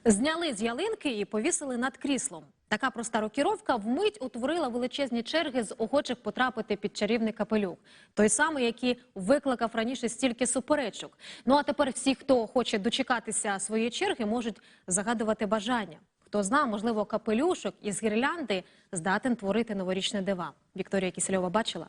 Зняли з ялинки і повісили над кріслом. Така проста рокіровка вмить утворила величезні черги з охочих потрапити під чарівний капелюх. Той самий, який викликав раніше стільки суперечок. Ну а тепер всі, хто хоче дочекатися своєї черги, можуть загадувати бажання. Хто знає, можливо, капелюшок із гірлянди здатен творити новорічне дива. Вікторія Кісельова бачила?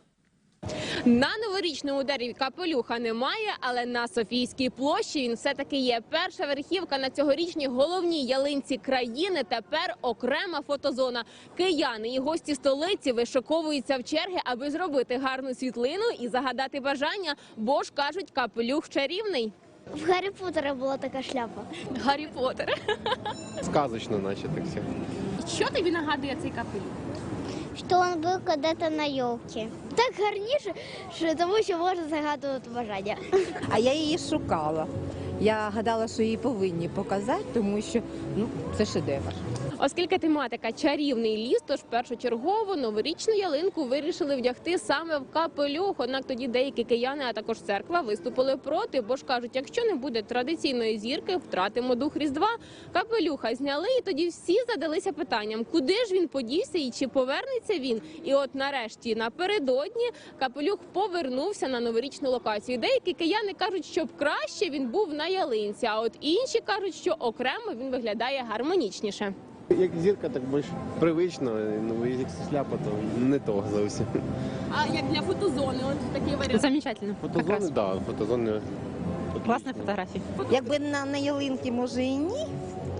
На новорічному дереві капелюха немає, але на Софійській площі він все-таки є. Перша верхівка на цьогорічній головній ялинці країни – тепер окрема фотозона. Кияни і гості столиці вишиковуються в черги, аби зробити гарну світлину і загадати бажання, бо ж, кажуть, капелюх чарівний. В Гаррі Поттера була така шляпа. Гаррі Поттер. Сказочно, наче так все. Що тобі нагадує цей капелюх? Що він був коли-то на елці. Так гарніше, тому що можна загадувати бажання. А я її шукала. Я гадала, що її повинні показати, тому що це шедевр. Оскільки тематика «Чарівний ліс», тож першочергово новорічну ялинку вирішили вдягти саме в капелюх. Однак тоді деякі кияни, а також церква, виступили проти, бо ж кажуть, якщо не буде традиційної зірки, втратимо дух Різдва. Капелюха зняли, і тоді всі задалися питанням, куди ж він подівся і чи повернеться він. І от нарешті, напередодні, капелюх повернувся на новорічну локацію. Деякі кияни кажуть, щоб краще він був на ялинці, а от інші кажуть, що окремо він виглядає гармонічніше. Як зірка, так більш привично, ну як шляпа, то не то зовсім. А як для фотозони, от такий варіант? Замечательно. Фотозони, так, фотозони. Класна фотографія. Якби на ялинки, може і ні,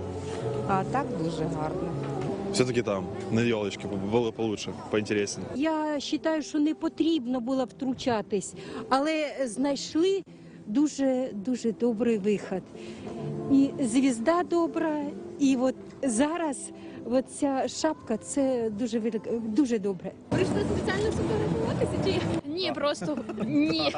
а так дуже гарно. Все-таки там, на елочке, було получше, поінтересніше. Я вважаю, що не потрібно було втручатись, але знайшли дуже добрий вихід. І звізда добра, і от зараз ця шапка – це дуже добре. Прийшли спеціально фотографуватися чи ні, просто ні.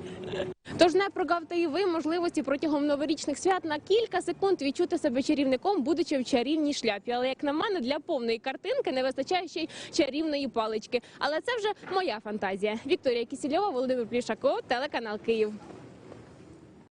Тож не прогавте і ви можливості протягом новорічних свят на кілька секунд відчути себе чарівником, будучи в чарівній шляпі. Але, як на мене, для повної картинки не вистачає ще й чарівної палички. Але це вже моя фантазія. Вікторія Кісельова, Володимир Плішаков, телеканал Київ.